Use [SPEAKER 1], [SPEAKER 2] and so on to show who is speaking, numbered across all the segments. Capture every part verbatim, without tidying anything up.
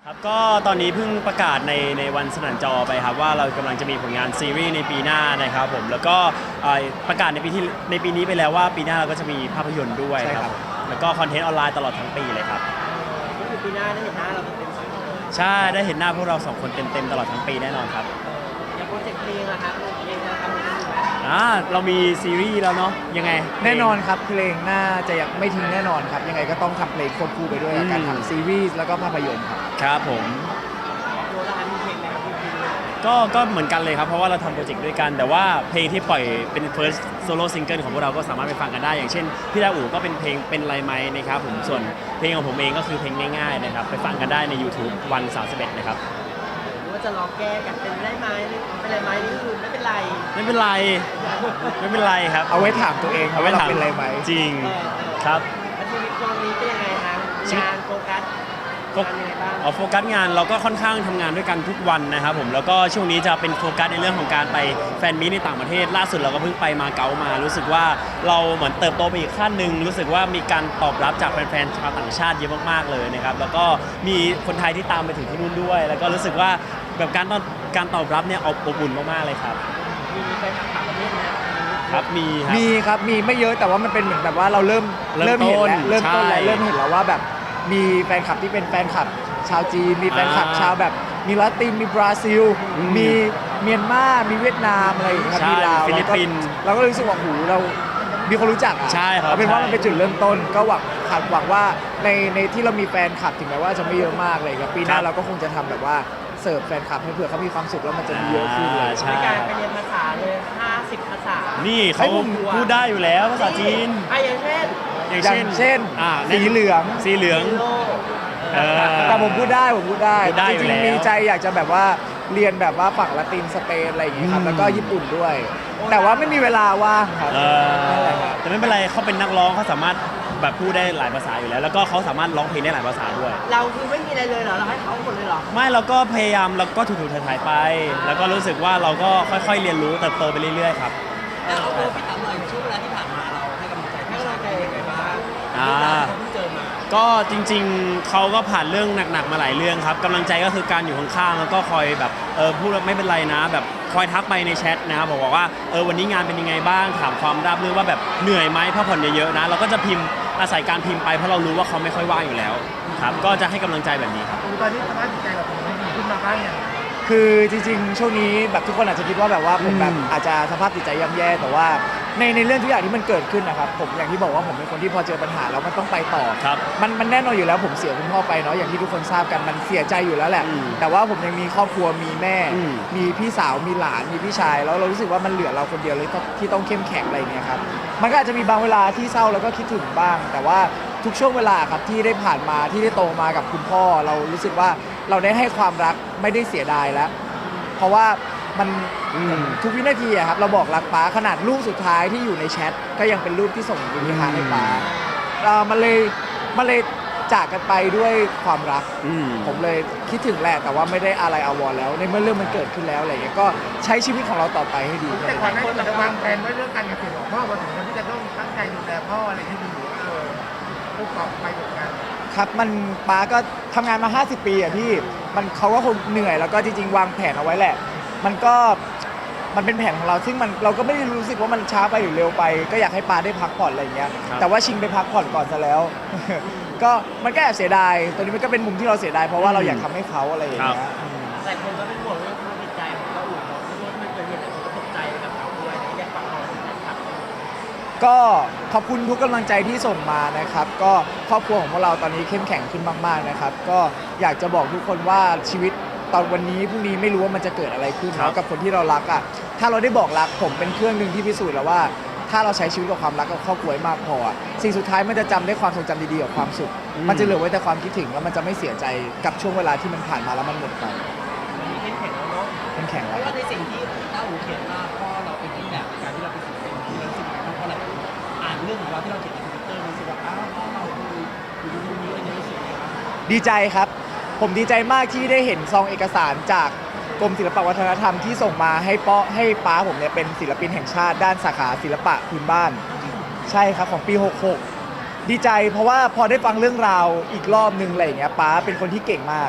[SPEAKER 1] ครับก็ตอนนี้เพิ่งประกาศในในวันสนั่นจอไปครับว่าเรากำลังจะมีผลงานซีรีส์ในปีหน้านะครับผมแล้วก็เอ่อประกาศในปีที่ในปีนี้ไปแล้วว่าปีหน้าเราก็จะมีภาพยนตร์ด้วย
[SPEAKER 2] ใช่
[SPEAKER 1] ค
[SPEAKER 2] ครั
[SPEAKER 1] รับบ แล้วก็คอนเทนต์ออนไลน์ตลอดทั้งปีเลยครับ
[SPEAKER 3] ก็คือปีหน้าได้เห็นหน้าเราเต็มๆสองคนเลย
[SPEAKER 1] ใช่ได้เห็นหน้าพวกเราสองคนเต็มๆตลอดทั้งปีแน่นอนครับ
[SPEAKER 3] อย่างโปรเจกต์เพลงอะครับเพลงจะทำอะไรกันอยู่ไหม
[SPEAKER 1] อ่าเรามีซีรีส์แล้วเนาะยังไง
[SPEAKER 2] แน่นอนครับเพลงน่าจะยังไม่ทิ้งแน่นอนครับยังไงก็ต้องทำเพลงควบคู่ไปด้วยกับการ
[SPEAKER 1] อืม
[SPEAKER 2] ทำซีรีส์แล้วก็ภาพยนตร์ครับ
[SPEAKER 1] ครับผม
[SPEAKER 3] โดนละมีเพลงไหนครับพี่
[SPEAKER 1] ก็ก็เหมือนกันเลยครับเพราะว่าเราทำโปรเจกต์ด้วยกัน แต่ว่าเพลงที่ปล่อยเป็น first solo single ของพวกเราก็สามารถไปฟังกันได้ อย่างเช่นพี่ดาอู๋ก็เป็นเพลงเป็นไรไหมนะครับผมส่วนเพลงของผมเองก็คือเพลงง่ายๆนะครับไปฟังกันได้ใน YouTube วันสามสิบเอ็ดนะครับ
[SPEAKER 3] หรือว่าจะลองแก้กันเป็นได้ไหมเป็นไรไหมนี่คือไม่เป็นไร
[SPEAKER 1] ไม่เป็นไรไม่เป็นไรครับ
[SPEAKER 2] เอาไว้ถามตัวเองครับว่าเราเป็นอะไรไหม
[SPEAKER 1] จริง
[SPEAKER 3] เออเออ
[SPEAKER 1] ครับ
[SPEAKER 3] แล้วชีวิตตอนนี้เป็นยังไงคะงานโฟกัส
[SPEAKER 1] ก็
[SPEAKER 3] งานยังไงบ้าง
[SPEAKER 1] เอาโฟกัสงานเราก็ค่อนข้างทำงานด้วยกันทุกวันนะครับผมแล้วก็ช่วงนี้จะเป็นโฟกัสในเรื่องของการไปแฟนมีตในต่างประเทศล่าสุดเราก็เพิ่งไปมาเก๊ามา รู้สึกว่าเราเหมือนเติบโตไปอีกขั้นหนึ่งรู้สึกว่ามีการตอบรับจากแฟนๆชาวต่างชาติเยอะมากๆเลยนะครับแล้วก็มีคนไทยที่ตามไปถึงที่นู่นด้วย แล้วก็รู้สึกว่าแบบการตอบการตอบรับเนี่ยอบอุ่นมากๆเลยครับ
[SPEAKER 3] มีไปทำต่างประเทศไหม
[SPEAKER 1] ครับมีครับ
[SPEAKER 2] มีครับมีไม่เยอะแต่ว่ามันเป็นเหมือนแบบว่าเราเริ่ม
[SPEAKER 1] เริ่ม
[SPEAKER 2] เห็นแล้ว
[SPEAKER 1] ต้น
[SPEAKER 2] เริ่มต้นแล้ว
[SPEAKER 1] ใช่
[SPEAKER 2] เริ่มเห็นแล้วว่าแบบมีแฟนคลับที่เป็นแฟนคลับชาวจีนมีแฟนคลับ
[SPEAKER 1] อ่า
[SPEAKER 2] ชาวแบบมีลาตินมีบราซิล
[SPEAKER 1] อืม
[SPEAKER 2] มีเมียนมามีเวียดนามอะไรอย่างเงี้ยครับ
[SPEAKER 1] ใช่
[SPEAKER 2] มีลาว
[SPEAKER 1] ฟิลิปปินส์
[SPEAKER 2] เราก็เราก็รู้สึกว่าหูเรามีคนรู้จักอ่ะ
[SPEAKER 1] ใช่ครับ
[SPEAKER 2] เอาเป็นว่า
[SPEAKER 1] ใช่
[SPEAKER 2] มันเป็นจุดเริ่มต้นก็หวังคาดหวังว่าในในที่เรามีแฟนคลับถึงแม้ว่าจะไม่เยอะมากเลยครับปีหน้า
[SPEAKER 1] ครับ
[SPEAKER 2] เราก็คงจะทำแบบว่าเสิร์ฟแฟนคลับให้เผื่อเขามีความสุขแล้วมันจะมีเยอะขึ้นเลย
[SPEAKER 1] อ่าใช่
[SPEAKER 3] ในการไปเรียนภาษาเลยห้าสิบภาษา
[SPEAKER 1] นี่
[SPEAKER 2] ให้
[SPEAKER 1] เขา
[SPEAKER 2] ผม
[SPEAKER 1] พูดได้อยู่แล้วภาษาจีน
[SPEAKER 3] อ่ะอย่างเช่น
[SPEAKER 1] อย่าง
[SPEAKER 2] อย่า
[SPEAKER 1] เช่น
[SPEAKER 2] งเช่น
[SPEAKER 1] อ่า
[SPEAKER 2] สีเหลือง
[SPEAKER 1] สีเหลือง
[SPEAKER 3] โล
[SPEAKER 1] เออ
[SPEAKER 2] แต่ผมพูดได้ผมพูดได้
[SPEAKER 1] พูดได้
[SPEAKER 2] จ
[SPEAKER 1] อยู่
[SPEAKER 2] ริง
[SPEAKER 1] แล้ว
[SPEAKER 2] ๆมีใจอยากจะแบบว่าเรียนแบบว่าฝั่งละตินสเปนอะไรอย่างงี้ครับ
[SPEAKER 1] อืม
[SPEAKER 2] แล้วก็ญี่ปุ่นด้วย แต่ว่าไม่มีเวลาว่างครับ
[SPEAKER 1] เอ
[SPEAKER 2] นั่น
[SPEAKER 1] อ
[SPEAKER 2] แหละครับ
[SPEAKER 1] แต่ไม่เป็นไรเขาเป็นนักร้องเขาสามารถแบบพูดได้หลายภาษาอยู่แล้ว แล้วก็เขาสามารถร้องเพลงได้หลายภาษาด้วย
[SPEAKER 3] เราคือไม่มีอะไรเลยเหรอ เราให้เขาหมดเลยเหรอ
[SPEAKER 1] ไม่เราก็พยายามเราก็ถูกๆถ่ายๆไป แล้วก็รู้สึกว่าเราก็ค่อยๆเรียนรู้เติบโตไปเรื่อยๆครับ
[SPEAKER 3] เอาโอ้พี่ถามหน่อยช่วงเวลาที่ผ่านมาเราให้กำลังใจให้กำลังใจยังไงบ้าง
[SPEAKER 1] อ่า
[SPEAKER 3] เขาเพิ่งเจอมา
[SPEAKER 1] ก็จริงๆเขาก็ผ่านเรื่องหนักๆมาหลายเรื่องครับกำลังใจก็คือการอยู่ข้างๆแล้วก็คอยแบบเออพูดว่าไม่เป็นไรนะ แบบคอยทักไปในแชทนะครับบอกว่าเออวันนี้งานเป็นยังไงบ้างถามความราบรื่นว่าแบบเหนื่อยไหมพักผ่อนเยอะๆนะเราก็จะพิมพ์อาศัยการพิมพ์ไปเพราะเรารู้ว่าเขาไม่ค่อยว่างอยู่แล้วครับก็จะให้กำลังใจแบบนี้ครับ
[SPEAKER 3] ตอนนี้สภาพจิตใจเราเป็นยังไงดีขึ้นมาบ้างยัง
[SPEAKER 2] คือจริงๆ ช่วงนี้แบบทุกคนอาจจะคิดว่าแบบว่าผมแบบ
[SPEAKER 1] อืม
[SPEAKER 2] อาจจะสภาพจิตใจย่ำแย่แต่ว่าในในเรื่องทุกอย่างที่มันเกิดขึ้นนะครับผมอย่างที่บอกว่าผมเป็นคนที่พอเจอปัญหาแล้วมันต้องไปต่อ
[SPEAKER 1] ครับ
[SPEAKER 2] มันมันแน่นอนอยู่แล้วผมเสียคุณพ่อไปเนาะอย่างที่ทุกคนทราบกันมันเสียใจอยู่แล้วแหละ
[SPEAKER 1] อืม
[SPEAKER 2] แต่ว่าผมยังมีครอบครัวมีแม่
[SPEAKER 1] อืม
[SPEAKER 2] มีพี่สาวมีหลานมีพี่ชายแล้วเรารู้สึกว่ามันเหลือเราคนเดียวเลยที่ที่ต้องเข้มแข็งอะไรเนี่ยครับมันก็อาจจะมีบางเวลาที่เศร้าแล้วก็คิดถึงบ้าง แต่ว่าทุกช่วงเวลาครับที่ได้ผ่านมาที่ได้โตมากับคุณพ่อ เรารู้สึกว่าเราได้ให้ความรักไม่ได้เสียดายแล้ว เพราะว่ามัน
[SPEAKER 1] อืม
[SPEAKER 2] ทุกวินาทีอะครับเราบอกรักป้าขนาดรูปสุดท้ายที่อยู่ในแชทก็ยังเป็นรูปที่ส่งวิญญาณให้ป้าเอ่อมันเลยมันเลยจากกันไปด้วยความรัก
[SPEAKER 1] อืม
[SPEAKER 2] ผมเลยคิดถึงแหละแต่ว่าไม่ได้อะไรอาวรณ์แล้ว ในเมื่อเรื่องมันเกิดขึ้นแล้วอะไรอย่างเงี้ยก็ใช้ชีวิตของเราต่อไปให้ดี
[SPEAKER 4] แต่ก่อนหน้านี้เราวางแผนไว้เรื่องการเกษตรของพ่อมาถึงวันที่จะต้องตั้งใจดูแลพ่ออะไรที่ดีเออผู้ประกอบไปกับงาน
[SPEAKER 2] ครับมันป้าก็ทำงานมา ห้าสิบ ปีอะพี่มันเขาก็คงเหนื่อยแล้วก็จริงๆ วางแผนเอาไว้แหละ มันก็มันเป็นแผนของเราซึ่งมันเราก็ไม่ได้รู้สึกว่ามันช้าไปหรือเร็วไป ก็อยากให้ป้าได้พักผ่อนอะไรอย่างเงี้ย
[SPEAKER 1] ครับ
[SPEAKER 2] แต่ว่าชิงไปพักผ่อนก่อนซะแล้ว ก็มันก็แอบเสียดายตัวนี้มันก็เป็นมุมที่เราเสียดายเพราะว่าเราอยากทำให้เขาอะไรอย่างเงี้ยอืม
[SPEAKER 3] แต่คนก็เป็นห่วงเรื่องสภาพจิตใจของเราอุ่นเนาะเพราะว่ามันเกิดเหตุแต่คนก็ตกใจกับเขาด้วยนะอยากฟังเราครับ
[SPEAKER 2] ก็ขอบคุณทุกกำลังใจที่ส่งมานะครับ ก็ครอบครัวของพวกเราตอนนี้เข้มแข็งขึ้นมากๆนะครับ ก็อยากจะบอกทุกคนว่าชีวิตตอนวันนี้พรุ่งนี้ไม่รู้ว่ามันจะเกิดอะไรขึ้น
[SPEAKER 1] ครับ
[SPEAKER 2] เนาะกับคนที่เรารักอ่ะถ้าเราได้บอกรักผมเป็นเครื่องหนึ่งที่พิสูจน์แล้วว่า ถ้าเราใช้ชีวิตกับความรักกับครอบครัวให้มากพออะสิ่งสุดท้ายมันจะจำได้ความทรงจำดีๆกับความสุข มันจะเหลือไว้แต่ความคิดถึงแล้วมันจะไม่เสียใจกับช่วงเวลาที่มันผ่านมาแล้วมันหมดไป
[SPEAKER 3] วันนี้เข้มแข็งแล้วเนาะ
[SPEAKER 2] เข้มแข็ง
[SPEAKER 3] เพ
[SPEAKER 2] แล้ว
[SPEAKER 3] ราะว่าในสิ่งที่ต้าอูเขียนว่าพ่อเราเป็นต้นแบบในการที่เราเป็นศิลปินที่เรารู้สึกยังไงบ้างเพราะอะไรอ่านเรื่องของเราที่เราเขียนในทวิตเตอร์รู้สึกว่าอ้าวพ่อเราคืออยู่ในยุคนี้อะไรเงี้ยรู้สึกยังไงบ้าง
[SPEAKER 2] ดีใจครับ ผมดีใจมากที่ได้เห็นซองเอกสารจากกรมศิลปวัฒนธรรมที่ส่งมาให้ป้อให้ป้าผมเนี่ยเป็นศิลปินแห่งชาติด้านสาขาศิลปะพื้นบ้าน ใช่ครับของปี หกหก ดีใจเพราะว่าพอได้ฟังเรื่องราวอีกรอบนึงอะไรอย่างเงี้ยป้าเป็นคนที่เก่งมาก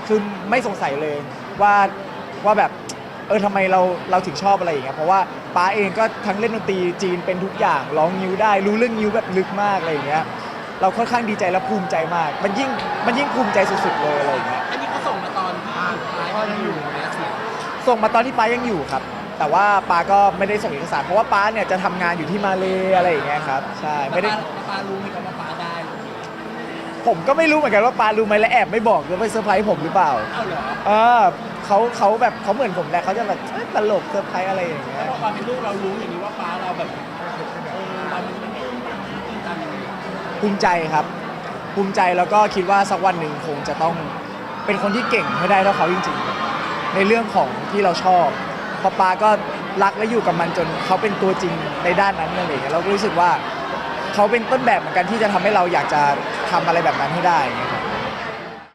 [SPEAKER 2] คือไม่สงสัยเลยว่าว่าแบบเออทำไมเราเราถึงชอบอะไรอย่างเงี้ยเพราะว่าป้าเองก็ทั้งเล่นดนตรีจีนเป็นทุกอย่างร้องนิ้วได้รู้เรื่องนิ้วแบบลึกมากอะไรอย่างเงี้ยเราค่อนข้างดีใจและภูมิใจมาก มันยิ่งมันยิ่งภูมิใจสุดๆเลยอะไรอย่างเงี้ย
[SPEAKER 3] อันนี้เขาส่งมาตอนที่ป้ายังอยู่นะเสียง
[SPEAKER 2] ส่งมาตอนที่ป้ายังอยู่ครับ แต่ว่าป้าก็ไม่ได้ส่งเอกสารเพราะว่าป้าเนี่ยจะทำงานอยู่ที่มาเลอะไรอย่างเงี้ยครับใช่ไม่ได้
[SPEAKER 3] แล้วป้ารู้ไหมครับว่าป้าได้
[SPEAKER 2] ผมก็ไม่รู้เหมือนกันว่าป้ารู้ไหมและแอบไม่บอกแล้วไปเซอร์ไพรส์ผมหรือเปล่า
[SPEAKER 3] เอ้าเหรอ
[SPEAKER 2] เออเขาเขาแบบเขาเหมือนผมแหละเขาจะแบบเอ้ยตลกเซอร์ไพรส์อะไรอย่างเงี้
[SPEAKER 3] แล้ว
[SPEAKER 2] ย
[SPEAKER 3] พอความเป็นลูกเรารู้อย่างนี้ว่าป้าเราแบบเออเรามันไม่ได้ตื่นตันอย่างนี้
[SPEAKER 2] ภูมิใจครับ ภูมิใจแล้วก็คิดว่าสักวันหนึ่งคงจะต้องเป็นคนที่เก่งให้ได้เท่าเขาจริงๆ ในเรื่องของที่เราชอบเพราะป้าก็รักและอยู่กับมันจนเขาเป็นตัวจริงในด้านนั้นอะไรอย่างเงี้ยเราก็รู้สึกว่าเขาเป็นต้นแบบเหมือนกันที่จะทำให้เราอยากจะทำอะไรแบบนั้นให้ได้อย่างเงี้ย